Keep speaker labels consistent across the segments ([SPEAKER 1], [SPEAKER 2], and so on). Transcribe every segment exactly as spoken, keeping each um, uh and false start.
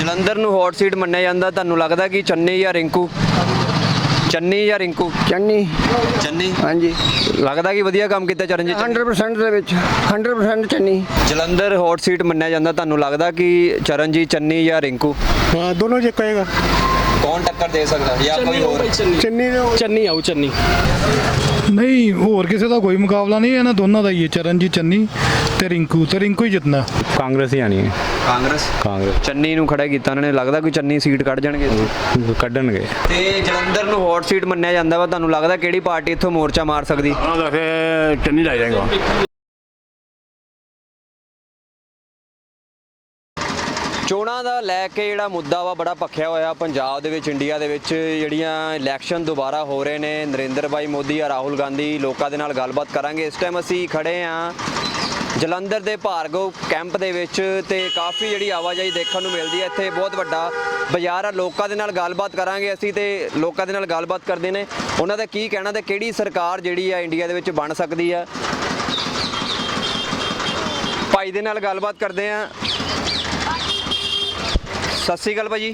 [SPEAKER 1] ਜਲੰਧਰ ਨੂੰ hot seat ਮੰਨਿਆ ਜਾਂਦਾ, ਤੁਹਾਨੂੰ ਲੱਗਦਾ ਕਿ ਚੰਨੀ ਜਾਂ ਰਿੰਕੂ? ਚੰਨੀ ਜਾਂ ਰਿੰਕੂ?
[SPEAKER 2] ਚੰਨੀ।
[SPEAKER 1] ਚੰਨੀ।
[SPEAKER 2] ਹਾਂਜੀ।
[SPEAKER 1] ਲੱਗਦਾ ਕਿ ਵਧੀਆ ਕੰਮ ਕੀਤਾ ਚਰਨਜੀਤ ਚੰਨੀ?
[SPEAKER 2] ਹੰਡਰਡ ਪਰਸੈਂਟ ਦੇ ਵਿੱਚ hundred percent Channi.
[SPEAKER 1] Jalandhar hot seat ਮੰਨਿਆ ਜਾਂਦਾ, ਤੁਹਾਨੂੰ ਲੱਗਦਾ ਕਿ ਚਰਨਜੀਤ ਚੰਨੀ ਜਾਂ ਰਿੰਕੂ?
[SPEAKER 3] हाँ दोनों जो कहेगा
[SPEAKER 1] ਕੌਣ ਟੱਕਰ ਦੇ ਸਕਦਾ ਜਾਂ ਕੋਈ ਹੋਰ?
[SPEAKER 3] चन्नी चन्नी आऊ चन्नी
[SPEAKER 4] ਨਹੀਂ ਹੋਰ ਕਿਸੇ ਦਾ ਕੋਈ ਮੁਕਾਬਲਾ ਨਹੀਂ, ਇਹਨਾਂ ਦੋਨਾਂ ਦਾ ਹੀ ਹੈ, ਚਰਨਜੀਤ ਚੰਨੀ ਤੇ ਰਿੰਕੂ, ਤੇ ਰਿੰਕੂ ਹੀ ਜਿੱਤਣਾ।
[SPEAKER 5] ਕਾਂਗਰਸ ਹੀ ਆਣੀ ਹੈ।
[SPEAKER 1] ਕਾਂਗਰਸ।
[SPEAKER 5] ਕਾਂਗਰਸ
[SPEAKER 1] ਚੰਨੀ ਨੂੰ ਖੜਾ ਕੀਤਾ ਉਹਨਾਂ ਨੇ, ਲੱਗਦਾ ਕੋਈ ਚੰਨੀ ਸੀਟ ਕੱਢ ਜਾਣਗੇ?
[SPEAKER 5] ਕੱਢਣਗੇ।
[SPEAKER 1] ਤੇ ਜਲੰਧਰ ਨੂੰ ਹੌਟ ਸੀਟ ਮੰਨਿਆ ਜਾਂਦਾ ਵਾ, ਤੁਹਾਨੂੰ ਲੱਗਦਾ ਕਿਹੜੀ ਪਾਰਟੀ ਇੱਥੋਂ ਮੋਰਚਾ ਮਾਰ ਸਕਦੀ?
[SPEAKER 6] हाँ तो फिर चन्नी ला जाएगा।
[SPEAKER 1] ਚੋਣਾਂ ਦਾ ਲੈ ਕੇ ਜਿਹੜਾ ਮੁੱਦਾ ਵਾ ਬੜਾ ਭਖਿਆ ਹੋਇਆ ਪੰਜਾਬ ਦੇ ਵਿੱਚ, ਇੰਡੀਆ ਦੇ ਵਿੱਚ ਜਿਹੜੀਆਂ ਇਲੈਕਸ਼ਨ ਦੁਬਾਰਾ ਹੋ ਰਹੇ ਨੇ। ਨਰਿੰਦਰ ਭਾਈ ਮੋਦੀ ਜਾਂ ਰਾਹੁਲ ਗਾਂਧੀ, ਲੋਕਾਂ ਦੇ ਨਾਲ ਗੱਲਬਾਤ ਕਰਾਂਗੇ। ਇਸ ਟਾਈਮ ਅਸੀਂ ਖੜੇ ਹਾਂ ਜਲੰਧਰ ਦੇ ਭਾਰਗਵ ਕੈਂਪ ਦੇ ਵਿੱਚ ਤੇ ਕਾਫੀ ਜਿਹੜੀ ਆਵਾਜਾਈ ਦੇਖਣ ਨੂੰ ਮਿਲਦੀ ਹੈ। ਇੱਥੇ ਬਹੁਤ ਵੱਡਾ ਬਾਜ਼ਾਰ ਆ, ਲੋਕਾਂ ਦੇ ਨਾਲ ਗੱਲਬਾਤ ਕਰਾਂਗੇ ਅਸੀਂ ਤੇ ਲੋਕਾਂ ਦੇ ਨਾਲ ਗੱਲਬਾਤ ਕਰਦੇ ਨੇ ਉਹਨਾਂ ਦਾ ਕੀ ਕਹਿਣਾ ਤੇ ਕਿਹੜੀ ਸਰਕਾਰ ਜਿਹੜੀ ਆ ਇੰਡੀਆ ਦੇ ਵਿੱਚ ਬਣ ਸਕਦੀ ਆ। ਭਾਈ ਦੇ ਨਾਲ ਗੱਲਬਾਤ ਕਰਦੇ ਆ। ਸਤਿ ਸ਼੍ਰੀ ਅਕਾਲ ਭਾਜੀ।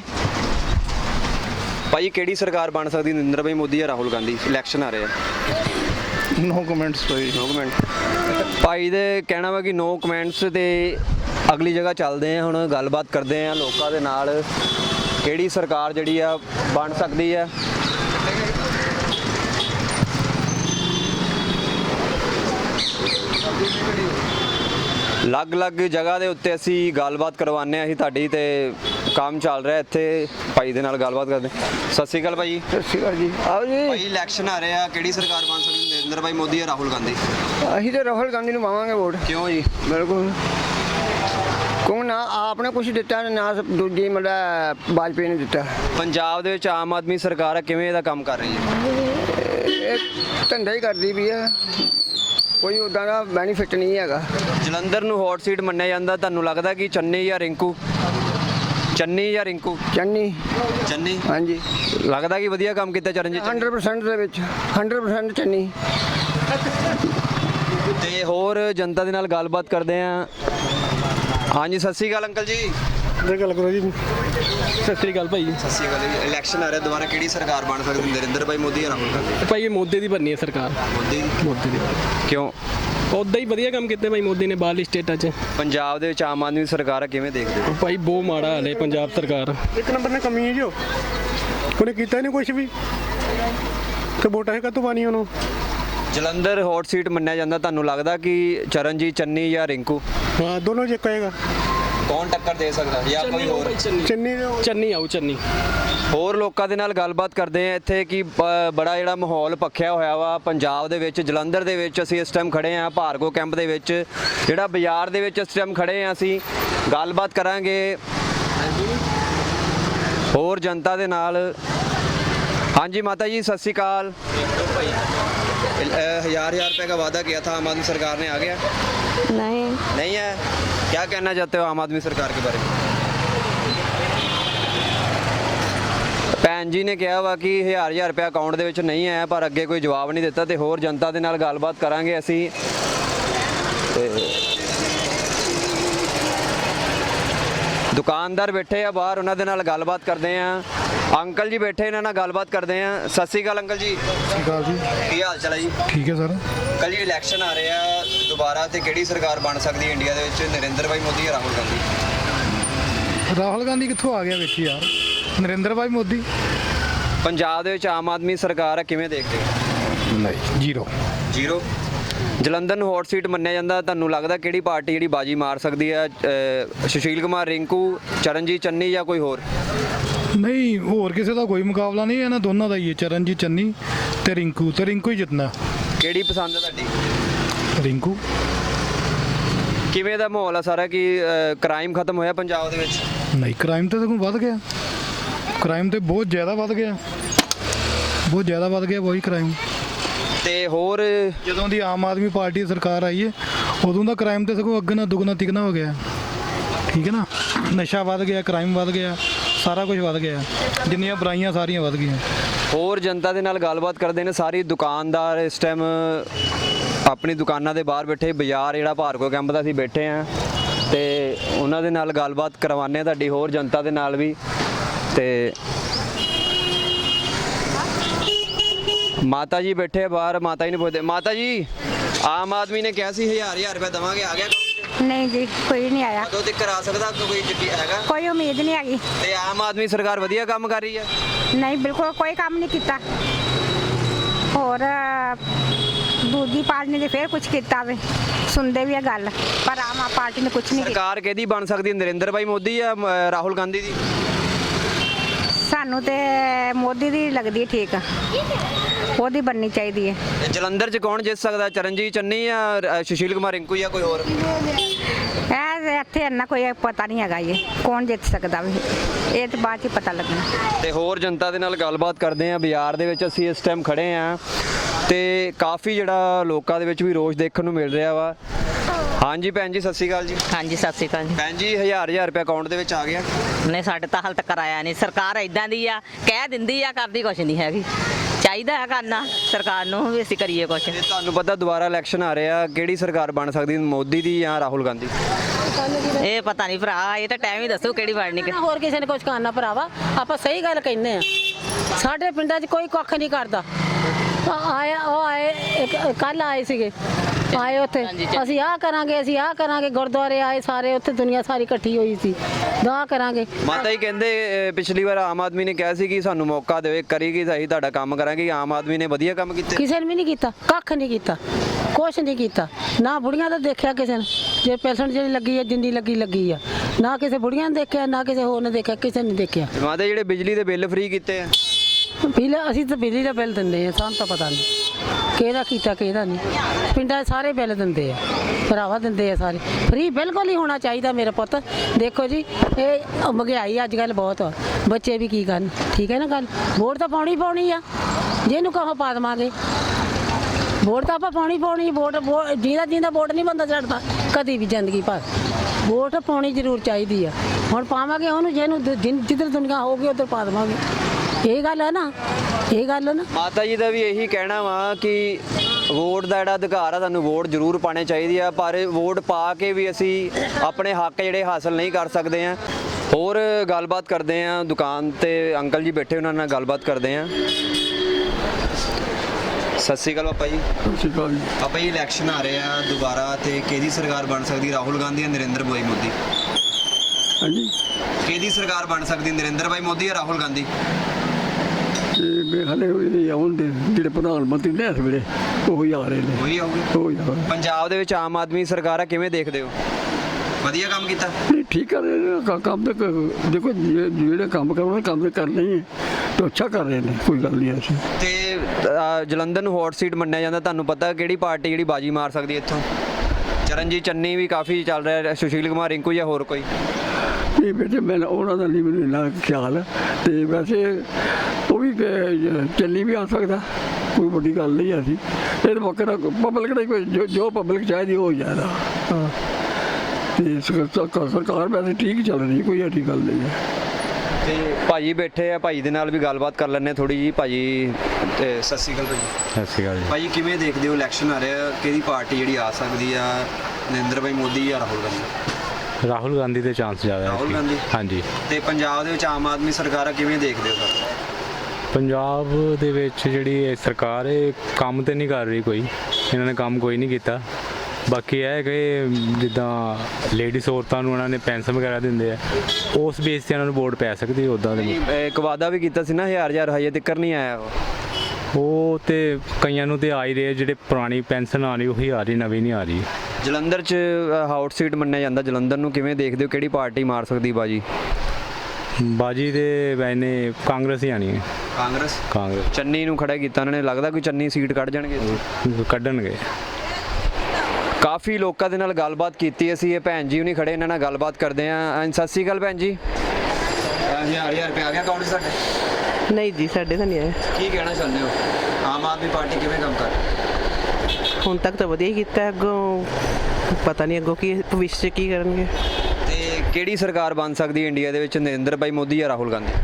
[SPEAKER 1] ਭਾਜੀ ਕਿਹੜੀ ਸਰਕਾਰ ਬਣ ਸਕਦੀ, ਨਰਿੰਦਰ ਭਾਈ ਮੋਦੀ ਜਾਂ ਰਾਹੁਲ ਗਾਂਧੀ? ਇਲੈਕਸ਼ਨ ਆ ਰਹੇ ਆ।
[SPEAKER 3] नो कमेंट्स भाई।
[SPEAKER 1] No comment. ਭਾਈ ਦੇ ਕਹਿਣਾ ਵਾ ਕਿ ਨੋ ਕਮੈਂਟਸ ਤੇ ਅਗਲੀ ਜਗ੍ਹਾ ਚੱਲਦੇ ਆ, ਹੁਣ ਗੱਲਬਾਤ ਕਰਦੇ ਆ ਲੋਕਾਂ ਦੇ ਨਾਲ ਕਿਹੜੀ ਸਰਕਾਰ ਜਿਹੜੀ ਆ ਬਣ ਸਕਦੀ ਆ। ਅਲੱਗ-ਅਲੱਗ ਜਗ੍ਹਾ ਦੇ ਉੱਤੇ ਅਸੀਂ ਗੱਲਬਾਤ ਕਰਵਾਉਂਦੇ ਹਾਂ ਅਸੀਂ ਤੁਹਾਡੀ, ਤੇ ਕੰਮ ਚੱਲ ਰਿਹਾ ਇੱਥੇ। ਭਾਈ ਦੇ ਨਾਲ ਗੱਲਬਾਤ ਕਰਦੇ। ਸਤਿ ਸ਼੍ਰੀ ਅਕਾਲ ਭਾਈ।
[SPEAKER 2] ਸਤਿ ਸ਼੍ਰੀ ਅਕਾਲ ਜੀ। ਆਓ ਜੀ।
[SPEAKER 1] ਭਾਈ ਇਲੈਕਸ਼ਨ ਆ ਰਹੇ ਆ, ਕਿਹੜੀ ਸਰਕਾਰ ਬਣ ਸਕਦੀ, ਨਰਿੰਦਰ ਭਾਈ ਮੋਦੀ ਜਾਂ ਰਾਹੁਲ ਗਾਂਧੀ?
[SPEAKER 2] ਅਸੀਂ ਤੇ ਰਾਹੁਲ ਗਾਂਧੀ ਨੂੰ ਪਾਵਾਂਗੇ ਵੋਟ।
[SPEAKER 1] ਕਿਉਂ ਜੀ?
[SPEAKER 2] ਬਿਲਕੁਲ। ਕਿਉਂ ਨਾ ਆਪ ਨੇ ਕੁਝ ਦਿੱਤਾ ਨਾ ਦੂਜੀ ਮਤਲਬ ਵਾਜਪੇਈ ਨੇ ਦਿੱਤਾ।
[SPEAKER 1] ਪੰਜਾਬ ਦੇ ਵਿੱਚ ਆਮ ਆਦਮੀ ਸਰਕਾਰ ਆ, ਕਿਵੇਂ ਇਹਦਾ ਕੰਮ ਕਰ ਰਹੀ ਹੈ?
[SPEAKER 2] ਇਹ ਧੰਦਾ ਹੀ ਕਰਦੀ ਵੀ ਹੈ, ਕੋਈ ਉੱਦਾਂ ਦਾ ਬੈਨੀਫਿਟ ਨਹੀਂ ਹੈਗਾ।
[SPEAKER 1] ਜਲੰਧਰ ਨੂੰ ਹੌਟ ਸੀਟ ਮੰਨਿਆ ਜਾਂਦਾ, ਤੁਹਾਨੂੰ ਲੱਗਦਾ ਕਿ ਚੰਨੀ ਜਾਂ ਰਿੰਕੂ? ਚੰਨੀ ਜਾਂ ਰਿੰਕੂ?
[SPEAKER 2] ਚੰਨੀ।
[SPEAKER 1] ਚੰਨੀ।
[SPEAKER 2] ਹਾਂਜੀ।
[SPEAKER 1] ਲੱਗਦਾ ਕਿ ਵਧੀਆ ਕੰਮ ਕੀਤਾ ਚਰਨਜੀਤ ਚੰਨੀ?
[SPEAKER 2] ਹੰਡਰਡ ਪਰਸੈਂਟ ਦੇ ਵਿੱਚ ਹੰਡਰਡ ਪਰਸੈਂਟ ਚੰਨੀ।
[SPEAKER 1] ਤੇ ਹੋਰ ਜਨਤਾ ਦੇ ਨਾਲ ਗੱਲਬਾਤ ਕਰਦੇ ਆ। ਹਾਂਜੀ ਸਤਿ ਸ਼੍ਰੀ ਅਕਾਲ ਅੰਕਲ ਜੀ।
[SPEAKER 3] ये गल करो जी।
[SPEAKER 7] ਸਤਿ ਸ੍ਰੀ ਅਕਾਲ ਭਾਈ।
[SPEAKER 1] ਸਤਿ ਸ਼੍ਰੀ ਅਕਾਲ ਜੀ। ਇਲੈਕਸ਼ਨ ਆ ਰਿਹਾ ਦੁਬਾਰਾ, ਕਿਹੜੀ ਸਰਕਾਰ ਬਣ ਸਕਦੀ, ਨਰਿੰਦਰ ਭਾਈ ਮੋਦੀ ਜਾਂ ਰਾਹੁਲ ਗਾਂਧੀ?
[SPEAKER 7] ਭਾਈ ਇਹ ਮੋਦੀ ਦੀ ਬਣਨੀ ਹੈ ਸਰਕਾਰ।
[SPEAKER 1] ਮੋਦੀ।
[SPEAKER 7] ਮੋਦੀ ਦੀ।
[SPEAKER 1] ਕਿਉਂ?
[SPEAKER 7] ਉੱਦਾਂ ਹੀ ਵਧੀਆ ਕੰਮ ਕੀਤੇ ਭਾਈ ਮੋਦੀ ਨੇ ਬਾਹਰਲੀ ਸਟੇਟਾਂ 'ਚ।
[SPEAKER 1] ਪੰਜਾਬ ਦੇ ਵਿੱਚ ਆਮ ਆਦਮੀ ਸਰਕਾਰ ਆ, ਕਿਵੇਂ ਦੇਖਦੇ ਹੋ?
[SPEAKER 7] ਭਾਈ ਬਹੁਤ ਮਾੜਾ ਹਾਲ ਹੈ ਪੰਜਾਬ ਸਰਕਾਰ।
[SPEAKER 3] एक नंबर ने कमी है जो उन्हें किया नहीं कुछ भी तो वोटा है कदों पानी उन्होंने।
[SPEAKER 1] ਜਲੰਧਰ ਹੌਟ ਸੀਟ ਮੰਨਿਆ ਜਾਂਦਾ, ਤੁਹਾਨੂੰ ਲੱਗਦਾ ਕਿ ਚਰਨਜੀਤ ਚੰਨੀ ਜਾਂ ਰਿੰਕੂ?
[SPEAKER 3] हाँ दोनों जो कहेगा
[SPEAKER 1] ਕੌਣ ਟੱਕਰ ਦੇ ਸਕਦਾ ਜਾਂ ਕੋਈ ਹੋਰ?
[SPEAKER 3] चन्नी
[SPEAKER 7] ਚੰਨੀ ਆਊ ਚੰਨੀ।
[SPEAKER 1] ਹੋਰ ਲੋਕਾਂ ਦੇ ਨਾਲ ਗੱਲਬਾਤ ਕਰਦੇ ਆ ਇੱਥੇ ਕਿ ਬ- ਬੜਾ ਜਿਹੜਾ ਮਾਹੌਲ ਭਖਿਆ ਹੋਇਆ ਵਾ ਪੰਜਾਬ ਦੇ ਵਿੱਚ। ਜਲੰਧਰ ਦੇ ਵਿੱਚ ਅਸੀਂ ਇਸ ਟਾਈਮ ਖੜੇ ਆ ਭਾਰਗੋ ਕੈਂਪ ਦੇ ਵਿੱਚ, ਜਿਹੜਾ ਬਾਜ਼ਾਰ ਦੇ ਵਿੱਚ ਇਸ ਟਾਈਮ ਖੜੇ ਆ। ਅਸੀਂ ਗੱਲਬਾਤ ਕਰਾਂਗੇ ਹੋਰ ਜਨਤਾ ਦੇ ਨਾਲ। ਹਾਂਜੀ ਮਾਤਾ जी सत श्री अकाल। हजार हजार रुपए का वादा किया था आम आदमी सरकार ने, आ गया?
[SPEAKER 8] नहीं।
[SPEAKER 1] नहीं है। क्या कहना चाहते हो आम आदमी सरकार के बारे में? ਭੈਣ ਜੀ ਨੇ ਕਿਹਾ ਵਾ ਕਿ ਹਜ਼ਾਰ ਹਜ਼ਾਰ ਰੁਪਏ ਅਕਾਊਂਟ ਦੇ ਵਿੱਚ ਨਹੀਂ ਆਇਆ, ਪਰ ਅੱਗੇ ਕੋਈ ਜਵਾਬ ਨਹੀਂ ਦਿੱਤਾ। ਤੇ ਹੋਰ ਜਨਤਾ ਦੇ ਨਾਲ ਗੱਲਬਾਤ ਕਰਾਂਗੇ ਅਸੀਂ। ਤੇ ਦੁਕਾਨਦਾਰ ਬੈਠੇ ਆ ਬਾਹਰ, ਉਹਨਾਂ ਦੇ ਨਾਲ ਗੱਲਬਾਤ ਕਰਦੇ ਆ। ਅੰਕਲ ਜੀ ਬੈਠੇ, ਇਹਨਾਂ ਨਾਲ ਗੱਲਬਾਤ ਕਰਦੇ ਆ। ਸਤਿ ਸ਼੍ਰੀ ਅਕਾਲ ਅੰਕਲ ਜੀ।
[SPEAKER 4] ਸਤਿ ਸ਼੍ਰੀ ਅਕਾਲ ਜੀ।
[SPEAKER 1] ਕੀ ਹਾਲ ਚਾਲ ਹੈ ਜੀ?
[SPEAKER 4] ਠੀਕ ਹੈ ਸਰ।
[SPEAKER 1] ਕੱਲ ਜੀ ਇਲੈਕਸ਼ਨ ਆ ਰਹੇ ਆ ਦੁਬਾਰਾ, ਤੇ ਕਿਹੜੀ ਸਰਕਾਰ ਬਣ ਸਕਦੀ ਹੈ ਇੰਡੀਆ ਦੇ ਵਿੱਚ, ਨਰਿੰਦਰ ਭਾਈ ਮੋਦੀ ਜਾਂ ਰਾਹੁਲ ਗਾਂਧੀ?
[SPEAKER 4] ਰਾਹੁਲ ਗਾਂਧੀ ਕਿੱਥੋਂ ਆ ਗਿਆ ਵਿੱਚ ਯਾਰ, ਨਰਿੰਦਰ ਭਾਈ ਮੋਦੀ।
[SPEAKER 1] ਪੰਜਾਬ ਦੇ ਵਿੱਚ ਆਮ ਆਦਮੀ ਸਰਕਾਰ ਆ, ਕਿਵੇਂ ਦੇਖਦੇ ਹੋ?
[SPEAKER 4] ਨਹੀਂ, ਜ਼ੀਰੋ।
[SPEAKER 1] ਜ਼ੀਰੋ। ਜਲੰਧਰ ਨੂੰ ਹੌਟ ਸੀਟ ਮੰਨਿਆ ਜਾਂਦਾ, ਤੁਹਾਨੂੰ ਲੱਗਦਾ ਕਿਹੜੀ ਪਾਰਟੀ ਜਿਹੜੀ ਬਾਜੀ ਮਾਰ ਸਕਦੀ ਹੈ? ਅ, ਸੁਸ਼ੀਲ ਕੁਮਾਰ ਰਿੰਕੂ, ਚਰਨਜੀਤ ਚੰਨੀ ਜਾਂ ਕੋਈ ਹੋਰ?
[SPEAKER 4] ਨਹੀਂ ਹੋਰ ਕਿਸੇ ਦਾ ਕੋਈ ਮੁਕਾਬਲਾ ਨਹੀਂ, ਇਹਨਾਂ ਦੋਨਾਂ ਦਾ ਹੀ ਹੈ, ਚਰਨਜੀਤ ਚੰਨੀ ਤੇ ਰਿੰਕੂ, ਤੇ ਰਿੰਕੂ ਹੀ ਜਿੱਤਣਾ।
[SPEAKER 1] ਕਿਹੜੀ ਪਸੰਦ ਹੈ ਤੁਹਾਡੀ?
[SPEAKER 4] ਰਿੰਕੂ।
[SPEAKER 1] ਕਿਵੇਂ ਦਾ ਮਾਹੌਲ ਆ ਸਾਰਾ ਕਿ ਕ੍ਰਾਈਮ ਖਤਮ ਹੋਇਆ ਪੰਜਾਬ ਦੇ ਵਿੱਚ?
[SPEAKER 4] ਨਹੀਂ ਕ੍ਰਾਈਮ ਤਾਂ ਸਗੋਂ ਵੱਧ ਗਿਆ, ਕ੍ਰਾਈਮ ਤੇ ਬਹੁਤ ਜ਼ਿਆਦਾ ਵੱਧ ਗਿਆ, ਬਹੁਤ ਜ਼ਿਆਦਾ ਵੱਧ ਗਿਆ ਵਹੀ ਕ੍ਰਾਈਮ।
[SPEAKER 1] ਤੇ ਹੋਰ
[SPEAKER 4] ਜਦੋਂ ਦੀ ਆਮ ਆਦਮੀ ਪਾਰਟੀ ਦੀ ਸਰਕਾਰ ਆਈ ਹੈ ਉਦੋਂ ਦਾ ਕ੍ਰਾਈਮ ਤੇ ਸਗੋਂ ਅੱਗੇ ਨਾ ਦੁੱਗਣਾ ਤਿਗਣਾ ਹੋ ਗਿਆ। ਠੀਕ ਹੈ ਨਾ, ਨਸ਼ਾ ਵੱਧ ਗਿਆ, ਕ੍ਰਾਈਮ ਵੱਧ ਗਿਆ, ਸਾਰਾ ਕੁਝ ਵੱਧ ਗਿਆ, ਜਿੰਨੀਆਂ ਬੁਰਾਈਆਂ ਸਾਰੀਆਂ ਵੱਧ ਗਈਆਂ।
[SPEAKER 1] ਹੋਰ ਜਨਤਾ ਦੇ ਨਾਲ ਗੱਲਬਾਤ ਕਰਦੇ ਨੇ। ਸਾਰੀ ਦੁਕਾਨਦਾਰ ਇਸ ਟਾਈਮ ਆਪਣੀ ਦੁਕਾਨਾਂ ਦੇ ਬਾਹਰ ਬੈਠੇ, ਬਾਜ਼ਾਰ ਜਿਹੜਾ ਭਾਰਗੋ ਕੈਂਪ ਦਾ ਅਸੀਂ ਬੈਠੇ ਆ। ਤੇ ਉਹਨਾਂ ਦੇ ਨਾਲ ਗੱਲਬਾਤ ਕਰਵਾਉਂਦੇ ਹਾਂ ਤੁਹਾਡੀ ਹੋਰ ਜਨਤਾ ਦੇ ਨਾਲ ਵੀ। ਤੇ ਮਾਤਾ ਜੀ ਬੈਠੇ ਆ ਬਾਹਰ, ਮਾਤਾ ਜੀ ਨੂੰ ਪੁੱਛਦੇ। ਮਾਤਾ ਜੀ, ਆਮ ਆਦਮੀ ਨੇ ਕਿਹਾ ਸੀ ਹਜ਼ਾਰ ਹਜ਼ਾਰ ਰੁਪਏ ਦੇਵਾਂਗੇ, ਆ ਗਿਆ
[SPEAKER 8] ਨਹੀਂ ਜੀ, ਕੋਈ ਨਹੀਂ ਆਇਆ,
[SPEAKER 1] ਕਦੋਂ ਤੱਕ ਆ ਸਕਦਾ ਕੋਈ ਯਕੀਨ ਹੈਗਾ?
[SPEAKER 8] ਕੋਈ ਉਮੀਦ ਨਹੀਂ ਹੈਗੀ।
[SPEAKER 1] ਤੇ ਆਮ ਆਦਮੀ ਸਰਕਾਰ ਵਧੀਆ ਕੰਮ ਕਰ ਰਹੀ ਹੈ?
[SPEAKER 8] ਨਹੀਂ, ਬਿਲਕੁਲ ਕੋਈ ਕੰਮ ਨਹੀਂ ਕੀਤਾ। ਹੋਰ ਦੂਜੀ ਪਾਰਟੀ ਨੇ ਫੇਰ ਕੁਝ ਕੀਤਾ ਵੇ, ਸੁਣਦੇ ਵੀ ਆ ਗੱਲ, ਪਰ ਆਮ ਪਾਰਟੀ ਨੇ ਕੁਝ ਨਹੀਂ ਕੀਤਾ।
[SPEAKER 1] ਸਰਕਾਰ ਕਿਹਦੀ ਬਣ ਸਕਦੀ ਹੈ, ਨਰਿੰਦਰ ਭਾਈ ਮੋਦੀ ਜਾਂ ਅਮ, ਰਾਹੁਲ ਗਾਂਧੀ ਦੀ?
[SPEAKER 8] ਸਾਨੂੰ ਤੇ ਮੋਦੀ ਦੀ ਲੱਗਦੀ ਹੈ ਠੀਕ, ਉਹਦੀ ਬਣਨੀ ਚਾਹੀਦੀ ਹੈ।
[SPEAKER 1] ਤੇ ਜਲੰਧਰ 'ਚ ਕੌਣ ਜਿੱਤ ਸਕਦਾ, ਚਰਨਜੀਤ ਚੰਨੀ ਜਾਂ ਅ, ਸੁਸ਼ੀਲ ਕੁਮਾਰ ਰਿੰਕੂ ਜਾਂ ਕੋਈ ਹੋਰ?
[SPEAKER 8] ਇਹ ਇੱਥੇ ਇੰਨਾ ਕੋਈ ਪਤਾ ਨਹੀਂ ਹੈਗਾ ਇਹ ਕੌਣ ਜਿੱਤ ਸਕਦਾ ਵੇ, ਇਹ ਤਾਂ ਬਾਅਦ 'ਚ ਪਤਾ ਲੱਗਣਾ।
[SPEAKER 1] ਤੇ ਹੋਰ ਜਨਤਾ ਦੇ ਨਾਲ ਗੱਲਬਾਤ ਕਰਦੇ ਹਾਂ। ਬਾਜ਼ਾਰ ਦੇ ਵਿੱਚ ਅਸੀਂ ਇਸ ਟਾਈਮ ਖੜੇ ਹਾਂ ਤੇ ਕਾਫੀ ਜਿਹੜਾ ਲੋਕਾਂ ਦੇ ਵਿੱਚ ਵੀ ਰੋਸ਼ ਦੇਖਣ ਨੂੰ ਮਿਲ ਰਿਹਾ ਵਾ। ਹਾਂਜੀ ਭੈਣ ਜੀ, ਸਤਿ ਸ਼੍ਰੀ ਅਕਾਲ ਜੀ।
[SPEAKER 9] ਹਾਂਜੀ, ਸਤਿ ਸ਼੍ਰੀ ਅਕਾਲ ਜੀ।
[SPEAKER 1] ਭੈਣ ਜੀ, ਹਜ਼ਾਰ ਹਜ਼ਾਰ ਰੁਪਏ ਅਕਾਊਂਟ ਦੇ ਵਿੱਚ ਆ ਗਿਆ?
[SPEAKER 9] ਨਹੀਂ, ਸਾਡੇ ਤਾਂ ਹਾਲ ਤੱਕ ਆਇਆ ਨਹੀਂ। ਸਰਕਾਰ ਇਦਾਂ ਦੀ ਆ, ਕਹਿ ਦਿੰਦੀ ਆ, ਕਰਦੀ ਕੁਛ ਨਹੀਂ ਹੈਗੀ। ਚਾਹੀਦਾ ਹੈ ਕਰਨਾ ਸਰਕਾਰ ਨੂੰ ਵੀ ਅਸੀਂ ਕਰੀਏ ਕੁਛ।
[SPEAKER 1] ਤੇ ਤੁਹਾਨੂੰ ਪਤਾ ਦੁਬਾਰਾ ਇਲੈਕਸ਼ਨ ਆ ਰਿਹਾ, ਕਿਹੜੀ ਸਰਕਾਰ ਬਣ ਸਕਦੀ, ਮੋਦੀ ਦੀ ਜਾਂ ਰਾਹੁਲ ਗਾਂਧੀ?
[SPEAKER 9] ਇਹ ਪਤਾ ਨਹੀਂ ਭਰਾ, ਇਹ ਤਾਂ ਟਾਈਮ ਹੀ ਦੱਸੋ ਕਿਹੜੀ ਬਣਨੀ।
[SPEAKER 10] ਹੋਰ ਕਿਸੇ ਨੇ ਕੁਝ ਕਰਨਾ ਭਰਾਵਾ, ਆਪਾਂ ਸਹੀ ਗੱਲ ਕਹਿੰਦੇ ਆ। ਸਾਡੇ ਪਿੰਡਾਂ 'ਚ ਕੋਈ ਕੱਖ ਨਹੀਂ ਕਰਦਾ। ਆਇਆ ਉਹ ਆਏ ਕੱਲ ਆਏ ਸੀਗੇ, ਆਏ ਉੱਥੇ ਅਸੀਂ ਆਹ ਕਰਾਂਗੇ, ਅਸੀਂ ਆਹ ਕਰਾਂਗੇ, ਗੁਰਦੁਆਰੇ ਆਏ ਸਾਰੇ, ਉੱਥੇ ਦੁਨੀਆ ਸਾਰੀ ਇਕੱਠੀ ਹੋਈ ਸੀ, ਦਾ ਕਰਾਂਗੇ।
[SPEAKER 1] ਮਾਤਾ ਜੀ ਕਹਿੰਦੇ ਅ, ਪਿਛਲੀ ਵਾਰ ਆਮ ਆਦਮੀ ਨੇ ਕਿਹਾ ਸੀ ਕਿ ਸਾਨੂੰ ਮੌਕਾ ਦੇਵੇ, ਕਰੇਗੀ ਤਾਂ ਅਸੀਂ ਤੁਹਾਡਾ ਕੰਮ ਕਰਾਂਗੇ। ਆਮ ਆਦਮੀ ਨੇ ਵਧੀਆ ਕੰਮ ਕੀਤੇ?
[SPEAKER 10] ਕਿਸੇ ਨੇ ਵੀ ਨਹੀਂ ਕੀਤਾ, ਕੱਖ ਨਹੀਂ ਕੀਤਾ, ਕੁਛ ਨਹੀਂ ਕੀਤਾ। ਨਾ ਬੁੜੀਆਂ ਦਾ ਦੇਖਿਆ ਕਿਸੇ ਨੇ, ਜੇ ਪੈਸਣ ਜਿਹੜੀ ਲੱਗੀ ਹੈ, ਜਿੰਦੀ ਲੱਗੀ ਲੱਗੀ ਆ, ਨਾ ਕਿਸੇ ਬੁੜੀਆਂ ਨੇ ਦੇਖਿਆ, ਨਾ ਕਿਸੇ ਹੋਰ ਨੇ ਦੇਖਿਆ, ਕਿਸੇ ਨੇ ਦੇਖਿਆ।
[SPEAKER 1] ਮਾਤਾ ਜਿਹੜੇ ਬਿਜਲੀ ਦੇ ਬਿੱਲ ਫ੍ਰੀ ਕੀਤੇ ਆ?
[SPEAKER 10] ਬਿੱਲ ਅਸੀਂ ਤਾਂ ਬਿਜਲੀ ਦਾ ਬਿੱਲ ਦਿੰਦੇ ਆ, ਸਾਨੂੰ ਤਾਂ ਪਤਾ ਨਹੀਂ ਕਿਹਦਾ ਕੀਤਾ ਕਿਹਦਾ ਨਹੀਂ। ਪਿੰਡਾਂ ਦੇ ਸਾਰੇ ਬਿੱਲ ਦਿੰਦੇ ਆ, ਭਰਾਵਾ ਦਿੰਦੇ ਆ ਸਾਰੇ। ਫ੍ਰੀ ਬਿਲਕੁਲ ਹੀ ਹੋਣਾ ਚਾਹੀਦਾ ਮੇਰੇ ਪੁੱਤ। ਦੇਖੋ ਜੀ, ਇਹ ਮਹਿੰਗਾਈ ਅੱਜ ਕੱਲ੍ਹ ਬਹੁਤ ਆ, ਬੱਚੇ ਵੀ ਕੀ ਕਰਨ, ਠੀਕ ਹੈ ਨਾ ਗੱਲ। ਵੋਟ ਤਾਂ ਪਾਉਣੀ ਪਾਉਣੀ ਆ, ਜਿਹਨੂੰ ਕਹੋ ਪਾ ਦੇਵਾਂਗੇ। ਵੋਟ ਤਾਂ ਆਪਾਂ ਪਾਉਣੀ ਪਾਉਣੀ, ਵੋਟ ਜਿਹਦਾ ਜਿਹਦਾ ਵੋਟ ਨਹੀਂ ਬੰਦਾ ਛੱਡਦਾ ਕਦੀ ਵੀ ਜ਼ਿੰਦਗੀ ਭਰ। ਵੋਟ ਪਾਉਣੀ ਜ਼ਰੂਰ ਚਾਹੀਦੀ ਆ। ਹੁਣ ਪਾਵਾਂਗੇ ਉਹਨੂੰ ਜਿਹਨੂੰ ਜਿੱਧਰ ਦੁਨੀਆ ਹੋਊਗੀ ਉੱਧਰ ਪਾ ਦੇਵਾਂਗੇ। ਇਹ ਗੱਲ ਹੈ ਨਾ, ਇਹ ਗੱਲ ਹੈ ਨਾ।
[SPEAKER 1] ਮਾਤਾ ਜੀ ਦਾ ਵੀ ਇਹੀ ਕਹਿਣਾ ਵਾ ਕਿ ਵੋਟ ਦਾ ਜਿਹੜਾ ਅਧਿਕਾਰ ਆ, ਤੁਹਾਨੂੰ ਵੋਟ ਜ਼ਰੂਰ ਪਾਣੇ ਚਾਹੀਦੀ ਆ, ਪਰ ਵੋਟ ਪਾ ਕੇ ਵੀ ਅਸੀਂ ਆਪਣੇ ਹੱਕ ਜਿਹੜੇ ਹਾਸਲ ਨਹੀਂ ਕਰ ਸਕਦੇ ਆ। ਹੋਰ ਗੱਲਬਾਤ ਕਰਦੇ ਆ, ਦੁਕਾਨ ਤੇ ਅੰਕਲ ਜੀ ਬੈਠੇ, ਉਹਨਾਂ ਨਾਲ ਗੱਲਬਾਤ ਕਰਦੇ ਆ। ਸਤਿ ਸ਼੍ਰੀ ਅਕਾਲ ਪਾਪਾ ਜੀ।
[SPEAKER 2] ਸਤਿ ਸ਼੍ਰੀ ਅਕਾਲ ਜੀ।
[SPEAKER 1] ਪਾਪਾ ਜੀ, ਇਲੈਕਸ਼ਨ ਆ ਰਹੇ ਆ ਦੁਬਾਰਾ, ਤੇ ਕਿਹਦੀ ਸਰਕਾਰ ਬਣ ਸਕਦੀ, ਰਾਹੁਲ ਗਾਂਧੀ ਜਾਂ ਨਰਿੰਦਰ ਭਾਈ ਮੋਦੀ?
[SPEAKER 2] ਹਾਂਜੀ,
[SPEAKER 1] ਕਿਹਦੀ ਸਰਕਾਰ ਬਣ ਸਕਦੀ, ਨਰਿੰਦਰ ਭਾਈ ਮੋਦੀ ਜਾਂ ਰਾਹੁਲ ਗਾਂਧੀ?
[SPEAKER 2] ਇਹ ਹਲੇ ਆਉਣ ਦੇ ਜਿਹੜੇ ਪ੍ਰਧਾਨ ਮੰਤਰੀ ਨੇ ਇਸ ਵੇਲੇ ਉਹ ਹੀ ਆ ਰਹੇ ਨੇ।
[SPEAKER 1] ਉਹੀ ਆਊਗੀ?
[SPEAKER 2] ਉਹ ਹੀ ਆ।
[SPEAKER 1] ਪੰਜਾਬ ਦੇ ਵਿੱਚ ਆਮ ਆਦਮੀ ਸਰਕਾਰ ਆ, ਕਿਵੇਂ ਦੇਖਦੇ ਹੋ? ਵਧੀਆ ਕੰਮ ਕੀਤਾ?
[SPEAKER 2] ਨਹੀਂ, ਠੀਕ ਕਰ ਰਹੇ ਨੇ ਕ- ਕੰਮ ਤਾਂ ਕ- ਦੇਖੋ ਜੇ- ਜਿਹੜੇ ਕੰਮ ਕਰਨਾ ਕੰਮ ਤਾਂ ਕਰਨਾ ਹੀ ਹੈ, ਤਾਂ ਅੱਛਾ ਕਰ ਰਹੇ ਨੇ, ਕੋਈ ਗੱਲ ਨਹੀਂ ਐਸੀ।
[SPEAKER 1] ਤੇ ਅ, ਜਲੰਧਰ ਨੂੰ ਹੌਟ ਸੀਟ ਮੰਨਿਆ ਜਾਂਦਾ, ਤੁਹਾਨੂੰ ਪਤਾ ਕਿਹੜੀ ਪਾਰਟੀ ਜਿਹੜੀ ਬਾਜੀ ਮਾਰ ਸਕਦੀ ਇੱਥੋਂ? ਚਰਨਜੀਤ ਚੰਨੀ ਵੀ ਕਾਫੀ ਚੱਲ ਰਿਹਾ, ਸੁਸ਼ੀਲ ਕੁਮਾਰ ਰਿੰਕੂ ਜਾਂ ਹੋਰ ਕੋਈ?
[SPEAKER 2] ਨਹੀਂ ਬੇਟੇ, ਮੈਂ ਉਹਨਾਂ ਦਾ ਨਹੀਂ ਮੈਨੂੰ ਇੰਨਾ ਖਿਆਲ ਹੈ। ਤੇ ਵੈਸੇ ਉਹ ਵੀ ਕ- ਚੱਲੀ ਵੀ ਆ ਸਕਦਾ, ਕੋਈ ਵੱਡੀ ਗੱਲ ਨਹੀਂ ਐਸੀ। ਇਹ ਮੌਕੇ ਦਾ ਪਬਲਿਕ ਦਾ ਕੋਈ ਜੋ- ਜੋ ਪਬਲਿਕ ਚਾਹੀਦੀ ਉਹ ਹੋ ਜਾਏਗਾ। ਹਾਂ, ਤੇ ਸਰ- ਸਰ- ਸਰਕਾਰ ਵੈਸੇ ਠੀਕ ਚੱਲ ਰਹੀ, ਕੋਈ ਐਸੀ ਗੱਲ ਨਹੀਂ ਹੈ।
[SPEAKER 1] ਤੇ ਭਾਜੀ ਬੈਠੇ ਆ, ਭਾਜੀ ਦੇ ਨਾਲ ਵੀ ਗੱਲਬਾਤ ਕਰ ਲੈਂਦੇ ਥੋੜੀ ਜੀ। ਭਾਜੀ, ਤੇ ਸਤਿ ਸ਼੍ਰੀ ਅਕਾਲ ਭਾਜੀ।
[SPEAKER 5] ਸਤਿ ਸ਼੍ਰੀ ਅਕਾਲ ਜੀ।
[SPEAKER 1] ਭਾਜੀ, ਕਿਵੇਂ ਦੇਖਦੇ ਹੋ ਇਲੈਕਸ਼ਨ ਆ ਰਿਹਾ, ਕਿਹਦੀ ਪਾਰਟੀ ਜਿਹੜੀ ਆ ਸਕਦੀ ਆ, ਨਰਿੰਦਰ ਭਾਈ ਮੋਦੀ ਜਾਂ ਰਾਹੁਲ ਗਾਂਧੀ?
[SPEAKER 5] ਰਾਹੁਲ ਗਾਂਧੀ ਦੇ ਚਾਂਸ ਜ਼ਿਆਦਾ ਹੈ
[SPEAKER 1] ਰਾਹੁਲ
[SPEAKER 5] ਜੀ।
[SPEAKER 1] ਗਾਂਧੀ?
[SPEAKER 5] ਹਾਂਜੀ।
[SPEAKER 1] ਤੇ ਪੰਜਾਬ ਦੇ ਵਿੱਚ ਆਮ ਆਦਮੀ ਸਰਕਾਰ ਆ, ਕਿਵੇਂ ਦੇਖਦੇ ਹੋ ਸਰ?
[SPEAKER 5] ਪੰਜਾਬ ਦੇ ਵਿੱਚ ਜਿਹੜੀ ਇਹ ਸਰਕਾਰ ਇਹ ਕੰਮ ਤੇ ਨਹੀਂ ਕਰ ਰਹੀ ਕੋਈ, ਇਹਨਾਂ ਨੇ ਕੰਮ ਕੋਈ ਨਹੀਂ ਕੀਤਾ। ਬਾਕੀ ਇਹ ਹੈ ਕਿ ਜਿੱਦਾਂ ਲੇਡੀਜ਼ ਔਰਤਾਂ ਨੂੰ ਉਹਨਾਂ ਨੇ ਪੈਨਸ਼ਨ ਵਗੈਰਾ ਦਿੰਦੇ ਆ, ਉਸ ਬੇਸ ਤੇ ਇਹਨਾਂ ਨੂੰ ਵੋਟ ਪੈ ਸਕਦੀ ਉੱਦਾਂ ਦੇ।
[SPEAKER 1] ਇੱਕ ਵਾਅਦਾ ਵੀ ਕੀਤਾ ਸੀ ਨਾ ਹਜ਼ਾਰ ਹਜ਼ਾਰ, ਹਜੇ ਤੱਕ ਨਹੀਂ ਆਇਆ ਉਹ।
[SPEAKER 5] ਉਹ ਤੇ ਕਈਆਂ ਨੂੰ ਤੇ ਆ ਹੀ ਰਹੇ, ਜਿਹੜੇ ਪੁਰਾਣੀ ਪੈਨਸ਼ਨ ਆ ਰਹੀ ਉਹੀ ਆ ਰਹੀ, ਨਵੀਂ ਨਹੀਂ ਆ ਰਹੀ।
[SPEAKER 1] ਜਲੰਧਰ 'ਚ ਹੌਟ ਸੀਟ ਮੰਨਿਆ ਜਾਂਦਾ, ਜਲੰਧਰ ਨੂੰ ਕਿਵੇਂ ਦੇਖਦੇ ਹੋ, ਕਿਹੜੀ ਪਾਰਟੀ ਮਾਰ ਸਕਦੀ ਬਾਜੀ?
[SPEAKER 5] ਬਾਜੀ ਦੇ ਵੈਨੇ ਕਾਂਗਰਸ ਹੀ ਆਣੀ ਹੈ।
[SPEAKER 1] ਕਾਂਗਰਸ?
[SPEAKER 5] ਕਾਂਗਰਸ।
[SPEAKER 1] ਚੰਨੀ ਨੂੰ ਖੜਾ ਕੀਤਾ ਉਹਨਾਂ ਨੇ, ਲੱਗਦਾ ਕੋਈ ਚੰਨੀ ਸੀਟ ਕੱਢ ਜਾਣਗੇ?
[SPEAKER 5] ਕੱਢਣਗੇ।
[SPEAKER 1] ਕਾਫੀ ਲੋਕਾਂ ਦੇ ਨਾਲ ਗੱਲਬਾਤ ਕੀਤੀ ਅਸੀਂ, ਇਹ ਭੈਣ ਜੀ ਹੁਣੀ ਖੜੇ, ਇਹਨਾਂ ਨਾਲ ਗੱਲਬਾਤ ਕਰਦੇ ਆਂ। ਸਤਿ ਸ਼੍ਰੀ ਅਕਾਲ ਭੈਣ ਜੀ। ਹਜ਼ਾਰ ਹਜ਼ਾਰ ਰੁਪਏ ਆ ਗਿਆ ਅਕਾਊਂਟ 'ਚ ਸਾਡੇ?
[SPEAKER 11] ਨਹੀਂ ਜੀ, ਸਾਡੇ ਤਾਂ ਨਹੀਂ ਆਇਆ।
[SPEAKER 1] ਕੀ ਕਹਿਣਾ ਚਾਹੁੰਦੇ ਹੋ, ਆਮ ਆਦਮੀ ਪਾਰਟੀ ਕਿਵੇਂ ਕੰਮ ਕਰ ਰਹੀ?
[SPEAKER 11] ਹੁਣ ਤੱਕ ਤਾਂ ਵਧੀਆ ਹੀ ਕੀਤਾ, ਅੱਗੋਂ ਪਤਾ ਨਹੀਂ ਅੱਗੋਂ ਕੀ ਭਵਿੱਖ 'ਚ ਕੀ ਕਰਨਗੇ।
[SPEAKER 1] ਤੇ ਕਿਹੜੀ ਸਰਕਾਰ ਬਣ ਸਕਦੀ ਇੰਡੀਆ ਦੇ ਵਿੱਚ, ਨਰਿੰਦਰ ਭਾਈ ਮੋਦੀ ਜਾਂ ਰਾਹੁਲ ਗਾਂਧੀ?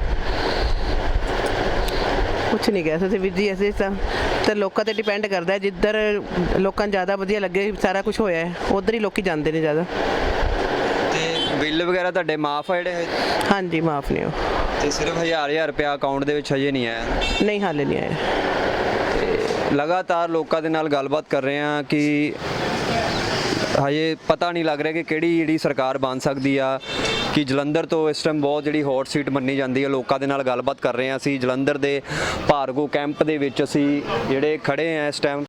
[SPEAKER 11] ਕੁਛ ਨਹੀਂ ਕਹਿ ਸਕਦੇ ਵੀਰ ਜੀ, ਅਸੀਂ ਤਾਂ ਤਾਂ ਲੋਕਾਂ ਤੇ ਡਿਪੈਂਡ ਕਰਦਾ, ਜਿੱਧਰ ਲੋਕਾਂ ਨੂੰ ਜ਼ਿਆਦਾ ਵਧੀਆ ਲੱਗੇ ਸਾਰਾ ਕੁਝ ਹੋਇਆ ਹੈ, ਉਧਰ ਹੀ ਲੋਕੀ ਜਾਂਦੇ ਨੇ ਜ਼ਿਆਦਾ।
[SPEAKER 1] ਬਿੱਲ ਵਗੈਰਾ ਤੁਹਾਡੇ ਮਾਫ ਆ ਜਿਹੜੇ
[SPEAKER 11] ਹਾਂਜੀ ਮਾਫ ਨਹੀਂ ਹੋ
[SPEAKER 1] ਤੇ ਸਿਰਫ ਹਜ਼ਾਰ ਹਜ਼ਾਰ ਰੁਪਇਆ ਅਕਾਊਂਟ ਦੇ ਵਿੱਚ ਹਜੇ ਨਹੀਂ ਆਇਆ।
[SPEAKER 11] ਨਹੀਂ ਹਾਲੇ ਨਹੀਂ ਆਇਆ।
[SPEAKER 1] ਲਗਾਤਾਰ ਲੋਕਾਂ ਦੇ ਨਾਲ ਗੱਲਬਾਤ ਕਰ ਰਹੇ ਹਾਂ ਕਿ ਹਜੇ ਪਤਾ ਨਹੀਂ ਲੱਗ ਰਿਹਾ ਕਿ ਕਿਹੜੀ ਜਿਹੜੀ ਸਰਕਾਰ ਬਣ ਸਕਦੀ ਆ ਕਿ ਜਲੰਧਰ ਤੋਂ ਇਸ ਟਾਈਮ ਬਹੁਤ ਜਿਹੜੀ ਹੌਟ ਸੀਟ ਮੰਨੀ ਜਾਂਦੀ ਹੈ। ਲੋਕਾਂ ਦੇ ਨਾਲ ਗੱਲਬਾਤ ਕਰ ਰਹੇ ਹਾਂ ਅਸੀਂ ਜਲੰਧਰ ਦੇ ਭਾਰਗੋ ਕੈਂਪ ਦੇ ਵਿੱਚ ਅਸੀਂ ਜਿਹੜੇ ਖੜੇ ਆ ਇਸ ਟਾਈਮ